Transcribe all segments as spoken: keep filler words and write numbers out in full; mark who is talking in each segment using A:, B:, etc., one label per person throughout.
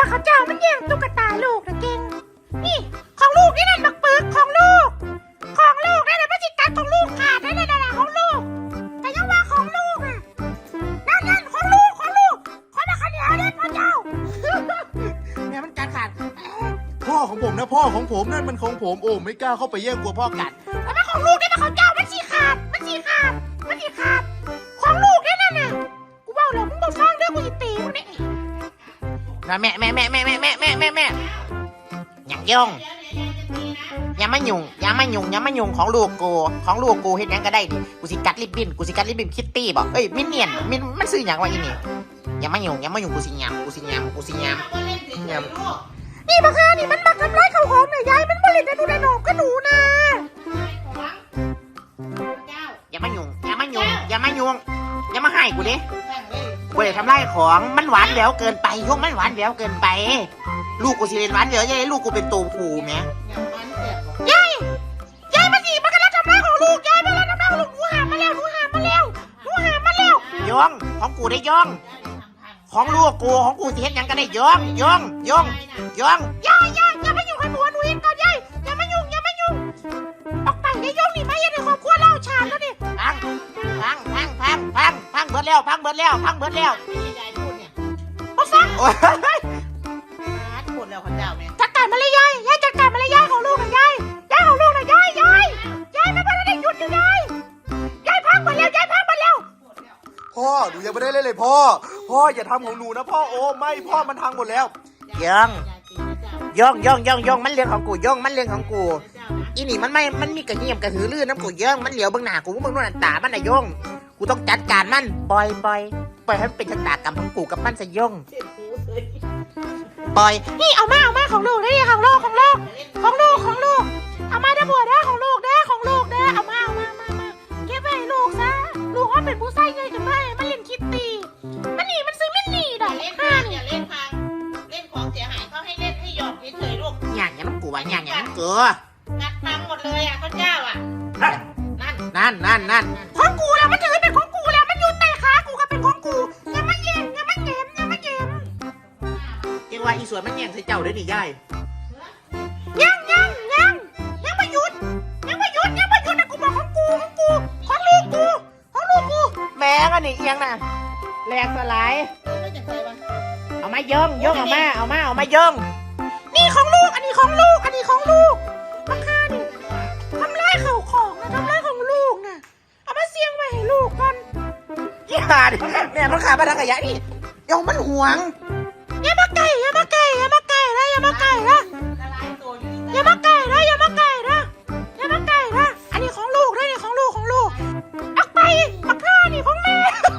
A: บักเขาเจ้ามันแย่งตุ๊กตาลูกนะเก่งนี่ของลูกนี่นั่นบักเปิกของลูกของลูกนั่นน่ะมันจิกัดของลูกขาดนั่นน่ะของลูกแต่ยังว่าของลูกอ่ะนั่นนั่นของลูกของลูกขอมาขันเหนียวเด็ดพ่อเจ้าเนี่ยมันกัดขาด
B: พ่อของผมนะพ่อของผมนั่นมันของผมโอ้ไม่กล้าเข้าไปแย่งกลัวพ่อกัด
A: แต่มันของลูกนี่มันของเจ้ามันฉีขาดมันฉีขาดมันฉีขาดของลูกนี่นั่นน่ะกูว่าแล้วมึงบอกฟังเด้อกูจะตีมึงเนี่ย
C: นะแม่แม่แม่แม่แม่แม่แม่แม่แม่อย่าย่องอย่ามายุ่งอย่ามายุ่งอย่ามายุ่งของลูกกูของลูกกูเห็นยังก็ได้ดิกูสิกัดลิบบิ้นกูสิกัดลิบบิ้นคิตตี้บอกเอ้ยมินเนี่ยนมินมันซื้ออย่างว่าอีนี่อย่ามายุ่งอย่ามายุ่งกูสิยำกูสิยำกูสิยำยำ
A: นี่บักฮานี่มันมาทำร้ายเขาของเนี่ยยายมันบริเวณหนูได้หนอมก็หนูนะ
C: อย่ามายุ่งอย่ามายุ่งอย่ามายุ่งอย่ามาให้กูดิกูเลยทำร้ายของมันหวานแหววเกินไปยกมันหวานแหววเกินไปลูกกูสิเป็นหวานแหววยัยลูกกูเป็นตัวผูแม่
A: ยายยายมาสิมันกำลังทำร้ายของลูกยายมันกำลังทำร้ายของลูกหนูหามาแล้วหนูหามาแล้วหนูหามาแล้ว
C: ย่องของกูได้ย่องของลูกกูของกูสิเห็นยังก็ได้ย่องย่องย่องย่อง
A: ยายยายอย่ามายุ่งกับหนูหนูเองก่อนยายอย่ามายุ่งอย่ามายุ่งออกไปยายย่องนี่ไม่ยังในครอบครัวเล่าชาแล้วนี่
C: พังพังพังพังพังพังเบิดแล้วพังเบิดแล้วพังเบิดแล้ว
A: มาฟัง
C: โอ้ยหมดแล้วข้าเจ้าแม่
A: จัดการมาเลยยายยายจัดการมาเลยยายของลูกนะยายยายของลูกนะยายยายยายไม่พอได้หยุดอยู่ยายยายพังหมดแล้วยายพังหมดแล้ว
B: พ่อหนูยังไม่ได้เล่นเลยพ่อพ่ออย่าทำของหนูนะพ่อโอ้ไม่พ่อมันพังหมดแล้ว
C: ย่องย่องย่องย่องย่องมันเรื่องของกูย่องมันเรื่องของกูอีนี่มันไม่มันมีกระเหี่ยมกระหือรือน้ำกูย่องมันเหลียวเบื้องหน้ากูมึงนู่นตามันน่ะย่องกูต้องจัดการมันปล่อยปล่อยปล่อยให้มันเป็นชะตากรรมของกูกับมันซะย่องปล่อย
A: นี่เอามาเอามาของลูกนี่ของลูกของลูกของลูกของลูกเอามาได้บัวได้ของลูกได้ของลูกได้เอามาเอามามามาเก็บไว้ให้ลูกซะลูกเขาเป็นผู้ใส่ใหญ่กันไปมันเล่นคิตตี้มันหนีมันซื้อมันหนีดอก
D: เล่นพังอย่าเล่นพังเล่นของเสียหายเขาให้เล่นให้หยอกเฉยๆลูก
C: อย่างอย่างมันกูว่าอย่างอย่างมันเกลือ
D: งัดพังหมดเลยอ่ะข้าเจ้าอ่ะ
C: นั่นนั่นนั่น
A: ของกูแล้วมันถือเป็นของกูแล้วมันอยู่ใต้ขากูก็เป็นของกูอย่ามาแย่งอย่ามาแย่งอย่ามาแย่ง
C: ยังว่าอีสวนมันแย่งใส่เจ้าด้วยนี่ยาย
A: ยังยังยังยังไม่หยุดยังไม่หยุดยังไม่หยุดนะกูบอกของกูของกูของลูกกูของลูกกู
C: แม่ก็นี่เอียงน่ะแหลกสลายเอามาย่องย่องเอามาเอามาเอามาย่อง
A: นี่ของลูกอันนี้ของลูกอันนี้ของลูกมาฆ่าดิทำร้ายเข่าของนะทำร้ายของลูกนะเอามาเสี่ยงไว้ให้ลูกก่อน
C: ยี่ห้าดิแม่มันขาดมาทางขยะนี่ย่องมันห่วง
A: อย่ามาไก่อย่ามาไก่อย่ามาไก่นะอย่ามาไก่นะอย่ามาไก่นะอย่ามาไก่นะอย่ามาไก่นะอันนี้ของลูกนะนี่ของลูกของลูกออกไปมาฆ่านี่ของแม่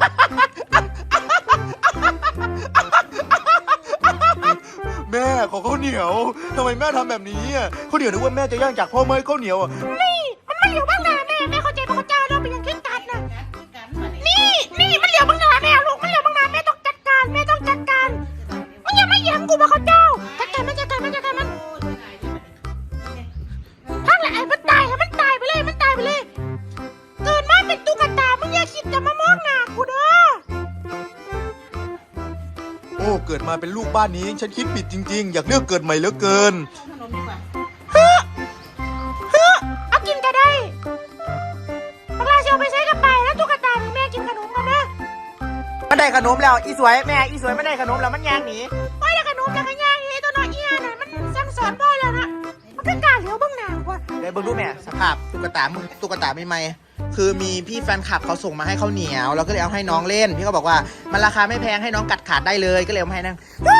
B: แม่ขอข้าวเหนียวทำไมแม่ทำแบบนี้ข้าวเหนียวนึกว่าแม่จะย่างจากพ่อเมื่อข้าวเหนียวอ่ะ
A: นี่มันมันเหลียวบ้างนะแม่แม่เข้าใจพระเจ้าเราเป็นอย่างเคร่งกัดนะนี่นี่มันเหลียวบ้างนะแม่ลูกมันเหลียวบ้างนะแม่ต้องจัดการแม่ต้องจัดการมันยังไม่ยังกูพระเจ้าจัดการมันจัดการมันจัดการมันทั้งแหละไอ้มันตายให้มันตายไปเลยมันตายไปเลยเกิดมาเป็นตุ๊กตามึงอย่าคิดจะมามองหน้ากูเด้อ
B: โอ้เกิดมาเป็นลูกบ้านนี้ฉันคิดผิดจริงๆอยากเลือกเกิดใหม่เหลือเกิน
A: เฮ้อเฮ้อเอากินก็ได้พวกเราเชียวไปใช้กับไปแล้วตุ๊กตาแม่กินขนมกันนะ
C: มันได้ขนมแล้วอีสวยแม่อีสวยไม่ได้ขนมแล้วมันย่างหนี
A: โอ้ยได้ขนมแล้วก็ย่างหนีตัวน้อยเอียน่ะมันสั่งสอนพ่อแล้วนะมันก็กล้าเหลียวบ้างหน้าว่ะ
C: เดี๋ยวเบิ่งดูแม่สภาพตุ๊กตามึงตุ๊กตาไม่ไหมคือมีพี่แฟนคลับเขาส่งมาให้ข้าวเหนียวเราก็เลยเอาให้น้องเล่นพี่เขาบอกว่ามันราคาไม่แพงให้น้องกัดขาดได้เลยก็เลยเอามาให้นั่ง
A: เฮ้